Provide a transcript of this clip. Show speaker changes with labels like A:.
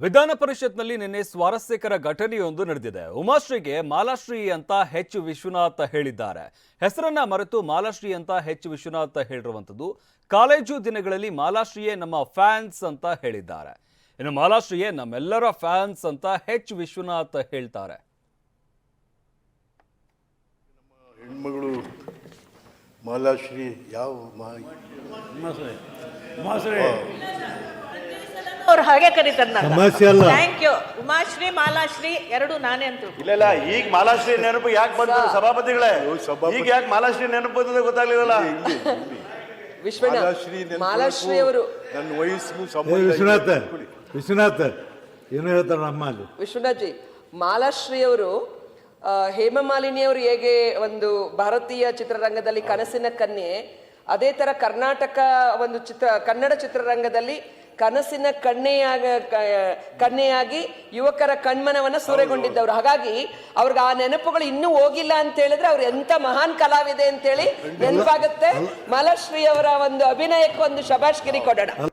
A: ವಿಧಾನ ಪರಿಷತ್ನಲ್ಲಿ ನಿನ್ನೆ ಸ್ವಾರಸ್ಯಕರ ಘಟನೆಯೊಂದು ನಡೆದಿದೆ. ಉಮಾಶ್ರೀಗೆ ಮಾಲಾಶ್ರೀ ಅಂತ ಎಚ್ ವಿಶ್ವನಾಥ್ ಹೇಳಿದ್ದಾರೆ. ಹೆಸರನ್ನ ಮರೆತು ಮಾಲಾಶ್ರೀ ಅಂತ ಎಚ್ ವಿಶ್ವನಾಥ್ ಹೇಳಿರುವಂಥದ್ದು. ಕಾಲೇಜು ದಿನಗಳಲ್ಲಿ ಮಾಲಾಶ್ರೀಯೇ ನಮ್ಮ ಫ್ಯಾನ್ಸ್ ಅಂತ ಹೇಳಿದ್ದಾರೆ. ಇನ್ನು ಮಾಲಾಶ್ರೀಯೇ ನಮ್ಮೆಲ್ಲರ ಫ್ಯಾನ್ಸ್ ಅಂತ ಎಚ್ ವಿಶ್ವನಾಥ್ ಹೇಳ್ತಾರೆ.
B: ಹೆಣ್ಮಗಳು ಮಾಲಾಶ್ರೀ ಯಾವ
C: ಅವ್ರು ಹಾಗೆ ಕರೀತಾರೆ.
D: ಸಮಸ್ಯೆ ಅಲ್ಲ.
C: Thank you. ಉಮಾಶ್ರೀ ಮಾಲಾಶ್ರೀ ಎರಡು ನಾನೇ ಅಂತ.
E: ಇಲ್ಲ ಈಗ ಮಾಲಾಶ್ರೀ ನೆನಪು ಯಾಕೆ ಬಂತು ಸಭಾಪತಿಗಳೇ? ಈಗ ಯಾಕೆ ಮಾಲಾಶ್ರೀ ನೆನಪು ಬಂದಿದೆ ಗೊತ್ತಾಗ್ಲಿಲ್ಲ.
D: ಮಾಲಾಶ್ರೀ ಅವರು
B: ನನ್ನ ವಯಸ್ಸಿಗೂ
D: ವಿಶ್ವನಾಥ್ ಏನು ಹೇಳ್ತಾರೆ ನಮ್ಮ ಅಲ್ಲಿ?
F: ವಿಶ್ವನಾಥ್ ಜಿ, ಮಾಲಾಶ್ರೀ ಅವರು ಹೇಮಮಾಲಿನಿ ಅವರು ಹೇಗೆ ಒಂದು ಭಾರತೀಯ ಚಿತ್ರರಂಗದಲ್ಲಿ ಕನಸಿನ ಕನ್ಯೆ, ಅದೇ ತರ ಕರ್ನಾಟಕ ಒಂದು ಕನ್ನಡ ಚಿತ್ರರಂಗದಲ್ಲಿ ಕನಸಿನ ಕನ್ಯೆಯಾಗಿ ಯುವಕರ ಕಣ್ಮನವನ್ನ ಸೂರೆಗೊಂಡಿದ್ದವರು. ಹಾಗಾಗಿ ಅವ್ರಿಗೆ ಆ ನೆನಪುಗಳು ಇನ್ನೂ ಹೋಗಿಲ್ಲ ಅಂತ ಹೇಳಿದ್ರೆ ಅವ್ರು ಎಂತ ಮಹಾನ್ ಕಲಾವಿದೆ ಅಂತೇಳಿ ನೆನಪಾಗುತ್ತೆ. ಮಾಲಾಶ್ರೀ ಅವರ ಒಂದು ಅಭಿನಯಕ್ಕೆ ಒಂದು ಶಬಾಷ್ಗಿರಿ ಕೊಡೋಣ.